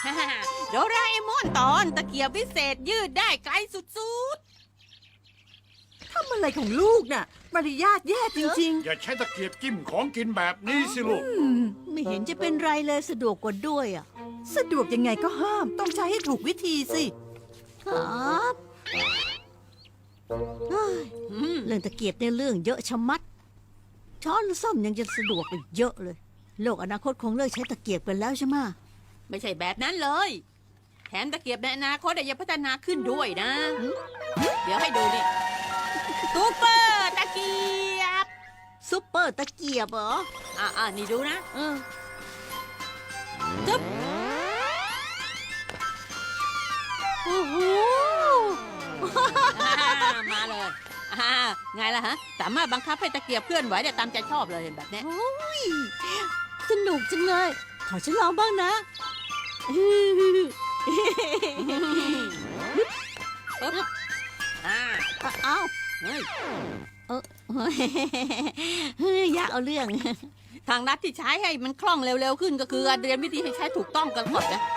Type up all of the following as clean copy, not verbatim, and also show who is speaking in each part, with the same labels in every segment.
Speaker 1: โดราเอมอนตอนตะเกียบวิเศษยืดได้ไกลสุด
Speaker 2: ทำอะไรของลูกน่ะมารยาทแย่จริง
Speaker 3: อย่าใช้ตะเกียบจิ้มของกินแบบนี้สิลูก
Speaker 4: ไม่เห็นจะเป็นไรเลยสะดวกกว่าด้วยอ่ะ
Speaker 2: ๆ สะดวกยังไงก็ห้าม ต้องใช้ให้ถูกวิธีสิ
Speaker 4: ครับเฮ้ย
Speaker 1: ๆ
Speaker 4: เรื่องตะเกียบเนี่ยเรื่องเยอะชะมัด ช้อนส้อมยังจะสะดวกกว่าเยอะเลย โลกอนาคตคงเลิกใช้ตะเกียบกันแล้วใช่ไหมะ
Speaker 1: ไม่ใช่แบบนั้นเลย แถมตะเกียบในอนาคตยังพัฒนาขึ้นด้วยนะ เดี๋ยวให้ดูนี่ซูเปอร์ตะเกียบ
Speaker 4: ซุปเปอร์ตะเกียบเหรอ
Speaker 1: นี่ดูนะ
Speaker 4: เออ
Speaker 1: จึ๊บ
Speaker 4: โอ้โห
Speaker 1: มาเลยไงล่ะฮะ สามารถบังคับให้ตะเกียบเคลื่อนไหวได้ตามใจชอบเลยแบบเนี้ย
Speaker 4: โอ้ยสนุกจังเลย ขอฉันลองบ้างนะ
Speaker 1: ปึ๊บ
Speaker 4: เอ้า
Speaker 1: เฮ้ย
Speaker 4: เฮ้ยอยากเอาเรื่อง
Speaker 1: ทางลัดที่ใช้ให้มันคล่องเร็วๆขึ้นก็คือการเรียนวิธีให้ใช้ถูกต้องกันก่อนนะ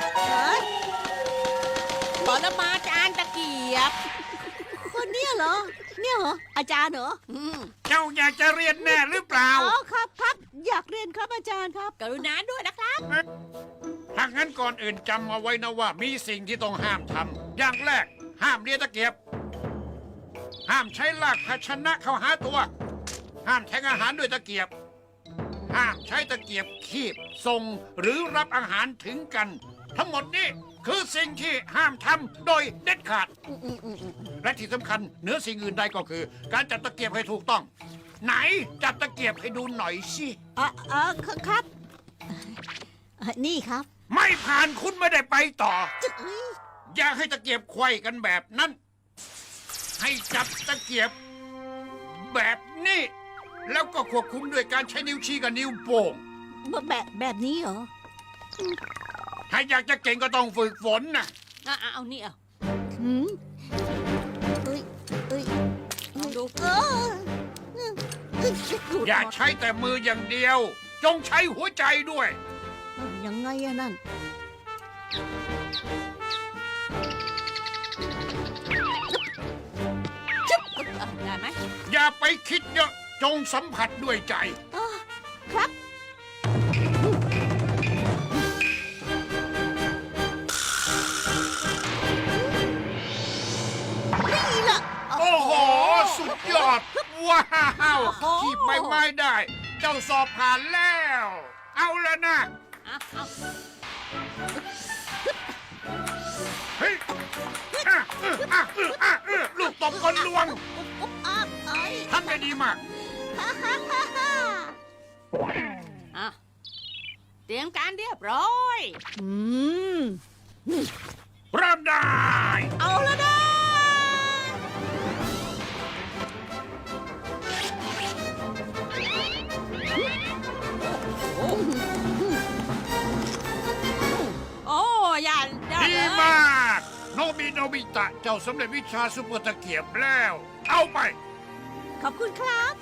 Speaker 1: ปรมาจารย์ตะเกียบ
Speaker 4: คนเนี้ยเหรอ เนี่ยเหรอ อาจารย์เหรอ
Speaker 3: เจ้าอยากจะเรียนแน่หรือเปล่า
Speaker 4: อ๋อครับครับอยากเรียนครับอาจารย์ครับ
Speaker 1: กรุณาด้วยนะครับ
Speaker 3: ถ้างั้นก่อนอื่นจำเอาไว้นะว่ามีสิ่งที่ต้องห้ามทำอย่างแรก ห้ามเลียตะเกียบ ห้ามใช้ลากภาชนะเข้าหาตัว ห้ามแทงอาหารด้วยตะเกียบ ห้ามใช้ตะเกียบคีบส่งหรือรับอาหารถึงกัน ทั้งหมดนี้คือสิ่งที่ห้ามทำโดยเด็ดขาด และที่สำคัญเหนือสิ่งอื่นใดก็คือ การจัดตะเกียบให้ถูกต้อง ไหนจัดตะเกียบให้ดูหน่อยสิ
Speaker 4: ครับนี่ครับ
Speaker 3: ไม่ผ่านคุณไม่ได้ไปต่อ
Speaker 4: จึ๊กเอ้ย
Speaker 3: อย่าให้ตะเกียบไขว้กันแบบนั้น ให้จับตะเกียบ แบบนี้ แล้วก็ควบคุมด้วยการใช้นิ้วชี้กับนิ้วโป้ง
Speaker 4: แบบนี้เหรอ
Speaker 3: ถ้าอยากจะเก่งก็ต้องฝึกฝนนะ
Speaker 1: เอานี่เอา
Speaker 4: หืมเอ้ยเอ้ย
Speaker 1: ลองดู
Speaker 3: อย่าใช้แต่มืออย่างเดียว จงใช้หัวใจด้วย
Speaker 4: ยังไงอะนั่น
Speaker 1: ได้ไหม
Speaker 3: อย่าไปคิดเยอะ จงสัมผัสด้วยใจ
Speaker 4: ครับ นี่ล่ะ
Speaker 3: โอ้โห สุดยอด ว้าวขีบใบไม้ได้ เจ้าสอบผ่านแล้ว เอาแล้วนะ
Speaker 1: เอา
Speaker 3: เฮ้ยลูกตบคนลวง
Speaker 4: อุ๊บอับเอ้ย
Speaker 3: ทำได้ดีมาก
Speaker 4: ฮ่าฮ่าฮ่าฮ่า
Speaker 1: เตรียมการเรียบร้อย
Speaker 4: อืม
Speaker 3: เริ่มได้
Speaker 4: เอาแล้วนะ
Speaker 1: โอ้ยันได้
Speaker 3: ดี
Speaker 1: เลย
Speaker 3: มาก โนบิตะ เจ้าสำเร็จวิชาซุปเปอร์ตะเกียบแล้ว เอาไป
Speaker 4: ขอบคุณครับ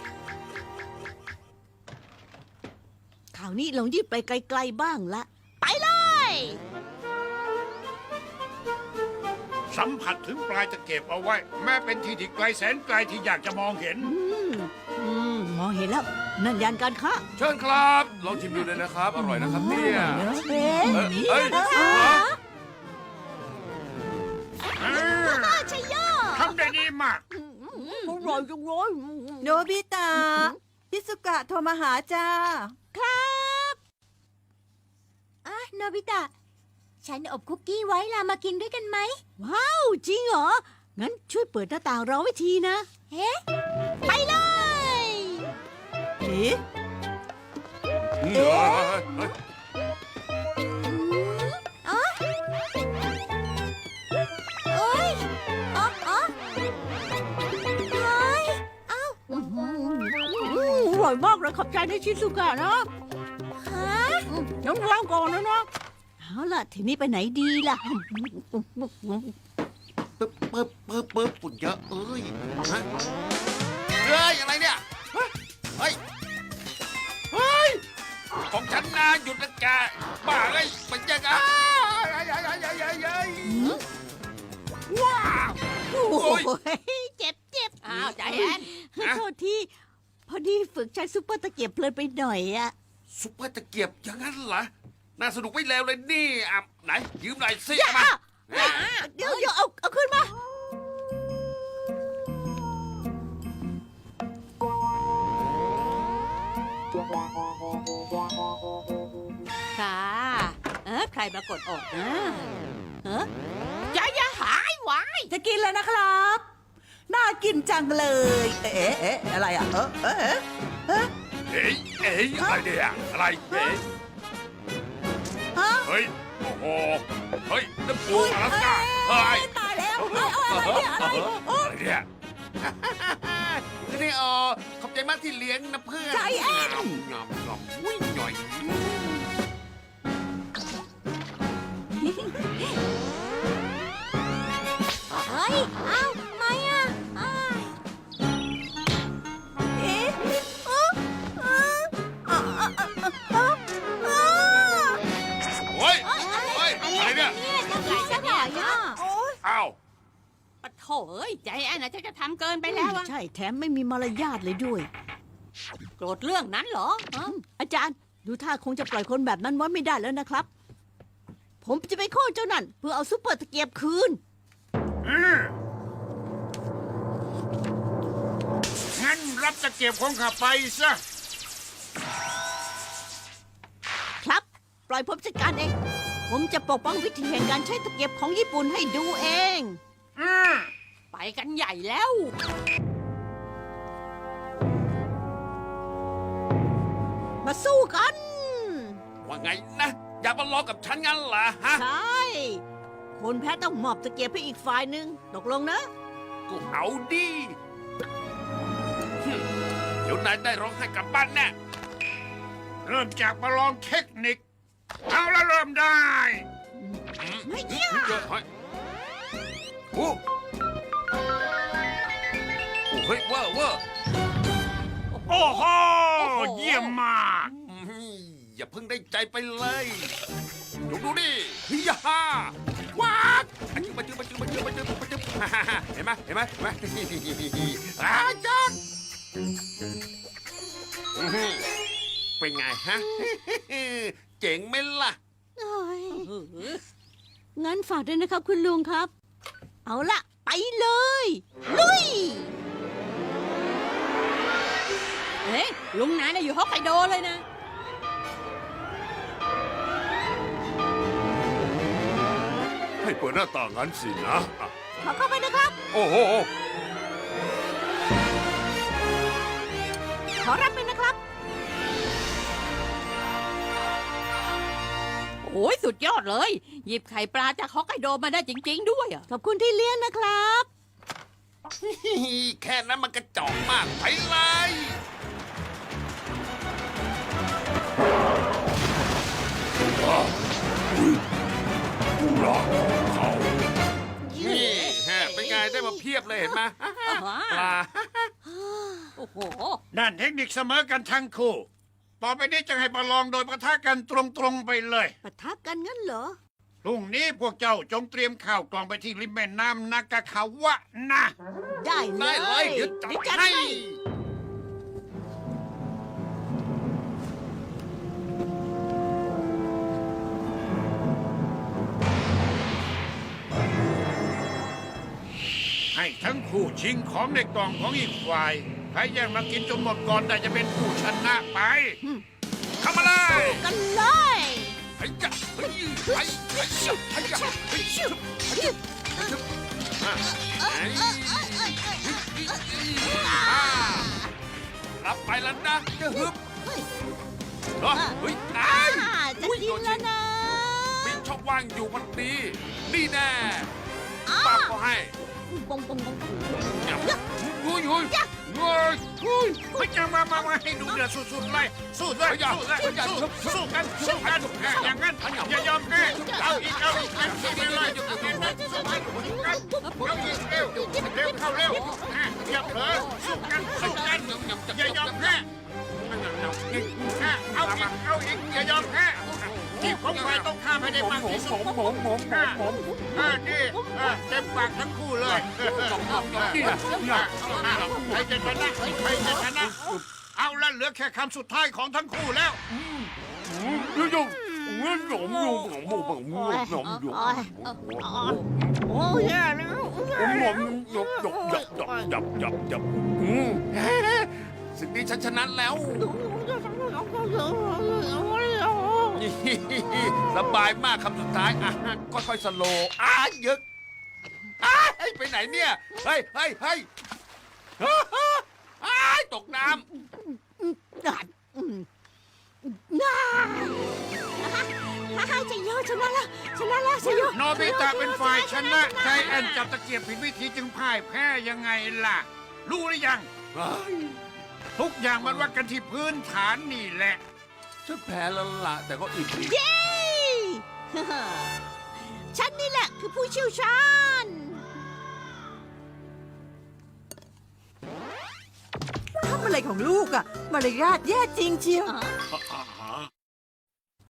Speaker 4: คราวนี้ลองยืดไปไกลๆบ้างละ ไปเลย
Speaker 3: สัมผัสถึงปลายตะเกียบเอาไว้ แม้เป็นที่ที่ไกลแสนไกลที่อยากจะมองเห็น
Speaker 4: มองเห็นแล้ว นั่นยานการค้า
Speaker 5: เชิญครับ ลองชิมดูเลยนะครับ อร่อยนะครับเนี่ย
Speaker 4: เอ๊ะ
Speaker 5: เอ้ย
Speaker 4: ชัยโย
Speaker 3: ทำได้ดีมาก
Speaker 4: อร่อยจังเลย
Speaker 2: โนบิตะพิสุกะโทรมาหาจ้า
Speaker 4: ครับโนบิตะ ฉันอบคุกกี้ไว้ล่ะมากินด้วยกันไหม ว้าว จริงเหรอ งั้นช่วยเปิดหน้าต่างรอไว้ทีนะ เฮ้ไปเลย
Speaker 2: เอ๊ะ
Speaker 5: เอ้ย
Speaker 4: เอ้ยอ๋ออ๋อเฮ้ยเอ้าอร่อยมากเลยขอบใจในชิซุกะนะฮะน้ำวางก่อนนะเอาล่ะ ทีนี้ไปไหนดีล่ะ
Speaker 5: ปึ๊บฝุ่นเยอะเอ้ยฮะเฮ้ย อะไรเนี่ย เฮ้ย ของฉันนะหยุดนะแกบ้าเอ้ยมันยังไงว้าว
Speaker 4: โอ้โหเจ็บ
Speaker 1: อ้าวใจแอน
Speaker 4: โทษที่ พอดีฝึกใช้ซุปเปอร์ตะเกียบเพลินไปหน่อยอะ
Speaker 5: ซุปเปอร์ตะเกียบอย่างนั้นเหรอ น่าสนุกไม่เลวเลยนี่อ่ะไหน ยืมหน่อยสิ
Speaker 4: อย่า
Speaker 5: มา
Speaker 4: เดี๋ยวเอาขึ้นมา
Speaker 1: ค่ะใครมากดออกนะใจอย่าหายไว้
Speaker 2: จะกินแล้วนะครับ น่ากินจังเลย อะไรอ่ะ
Speaker 3: เอ้ยอะไรเนี่ยอะไรเอ้ย
Speaker 2: ฮะ
Speaker 3: เฮ้ย โอ้โห เฮ้ยน้ำปูอลาสก้าเฮ้ย
Speaker 2: ตายแล้วอะไรเนี่ยอะไร
Speaker 3: อะไรเนี่ย
Speaker 5: นี่ขอบใจมากที่เลี้ยงนะเพื่อน
Speaker 2: ใจแอน
Speaker 5: งอมวิ่งหน่อย
Speaker 4: เฮ้ย เอ้าไม่อะอ้าว
Speaker 2: เอ๊ะ
Speaker 5: โอ้ยโอ้ยอะไรเนี่ย
Speaker 4: จะไหลจะไหลอ่ะ
Speaker 5: อ้าว
Speaker 1: ปะโถเอ้ยใจแอนนะจะทำเกินไปแล้วอะ
Speaker 4: ใช่แถมไม่มีมารยาทเลยด้วย
Speaker 1: โกรธเรื่องนั้นเหรอฮะ
Speaker 4: อาจารย์ดูท่าคงจะปล่อยคนแบบนั้นไว้ไม่ได้แล้วนะครับ ผมจะไปโค่นเจ้านั่นเพื่อเอาซุปเปอร์ตะเกียบคืน
Speaker 3: งั้นรับตะเกียบของข้าไปซะ
Speaker 4: ครับ ปล่อยผมจัดการเอง ผมจะปกป้องวิธีแห่งการใช้ตะเกียบของญี่ปุ่นให้ดูเอง
Speaker 1: ไปกันใหญ่แล้ว
Speaker 4: มาสู้กัน
Speaker 5: ว่าไงนะ อยากมาลองกับฉันงั้นเหรอฮะ
Speaker 4: ใช่ คนแพ้ต้องมอบตะเกียบให้อีกฝ่ายหนึ่งตกลงนะ
Speaker 5: ก็เอาดิเดี๋ยวนายได้ร้องไห้กลับบ้านแน่
Speaker 3: เริ่มจากประลองเทคนิค เอาละเริ่มได้
Speaker 4: ไม่เกี่ยว
Speaker 5: เยอะเฮ้ยโอ้เฮ้ยเวอร์
Speaker 3: โอ้โห เยี่ยมมาก
Speaker 5: อย่าเพิ่งได้ใจไปเลยดูดิฮิยาฮ่าว้าวมาจื้อเห็นไหมอาจารย์เป็นไงฮะ เจ๋งไหมล่ะ
Speaker 4: เอ้ยงั้นฝากด้วยนะครับคุณลุงครับ เอาละไปเลย ลุย
Speaker 1: เฮ้ยลุงนายน่ะอยู่ฮอกไกโดเลยนะ
Speaker 3: ให้เปิดหน้าต่างงั้นสินะอ่ะ
Speaker 4: ขอเข้าไปนะครับ
Speaker 3: โอ้โห
Speaker 4: ขอรับไปนะครับ
Speaker 1: โอ้ยสุดยอดเลย หยิบไข่ปลาจากฮอกไกโดมาได้จริง ๆ ด้วยอะ
Speaker 4: ขอบคุณที่เลี้ยงนะครับ
Speaker 5: แค่นั้นมันกระจอกมากไปเลย นี่ฮะเป็นไงได้มาเพียบเลยเห็นไหมปลา
Speaker 1: โอ้โห
Speaker 3: ด้านเทคนิคเสมอกันทั้งคู่ ต่อไปนี้จะให้ประลองโดยประทะกันตรงๆไปเลย
Speaker 4: ปะทะกันงั้นเหรอ
Speaker 3: พรุ่งนี้พวกเจ้าจงเตรียมข้าวกล่องไปที่ริมแม่น้ำนากาคาวะนะ
Speaker 4: ได้เล
Speaker 5: ได้
Speaker 4: ย
Speaker 5: เลยเดี๋ยวจัด
Speaker 4: เดี๋ยวจัด
Speaker 5: ให้
Speaker 4: ให้
Speaker 3: ให้ทั้งคู่ชิงของในกล่องของอีกฝ่ายใครแย่งมากินจนหมดก่อนได้จะเป็นผู้ชนะไป เข้ามาเลย
Speaker 4: กันเลย
Speaker 5: ไอ้ยะเฮ้ยไอ้ยะไอ้ยะเฮ้ยชุบรับไปแล้วนะจะฮึบเฮ้ยไอ้
Speaker 4: จะกินแล้วนะ
Speaker 5: มีช่องว่างอยู่พอดี นี่แน่ปากก็ให้
Speaker 4: ปงปงปง
Speaker 3: ยุยยุยยุยไม่จะมาให้ดูเดือดสุดๆเลยสู้เลยสู้กันอย่างนั้นอย่ายอมแพ้เอาอีกไปเลยสู้กันเอาอีกเร็วเข้าเร็วอย่าเผลอสู้กันอย่ายอมแพ้เอาอีกอย่ายอมแพ้ทีมของฝ่ายต้องข้ามให้ได้มากที่สุดนี่เต็มปากทั้งคู่เลยใครจะชนะใครจะชนะเอาละเหลือแค่คำสุดท้ายของทั้งคู่แล้ว
Speaker 4: โอ้ยแย่แล้ว
Speaker 5: สิ่งนี้ฉันชนะแล้ว สบายมากคำสุดท้ายอ่ะค่อยๆสโลว์ยึกไปไหนเนี่ย เฮ้ยตกน้ำ
Speaker 4: จะโยชนะแล้วจะโย
Speaker 3: โนบิตะเป็นฝ่ายชนะใจแอนจับตะเกียบผิดวิธีจึงพ่ายแพ้ยังไงล่ะ รู้หรือยัง ทุกอย่างมันวัดกันที่พื้นฐานนี่แหละ
Speaker 5: ฉันแพ้แล้วล่ะแต่ก็อึดอีก
Speaker 4: เย้ ฉันนี่แหละคือผู้เชี่ยวชาญ
Speaker 2: ทำอะไรของลูกอะมารยาทแย่จริงเชียว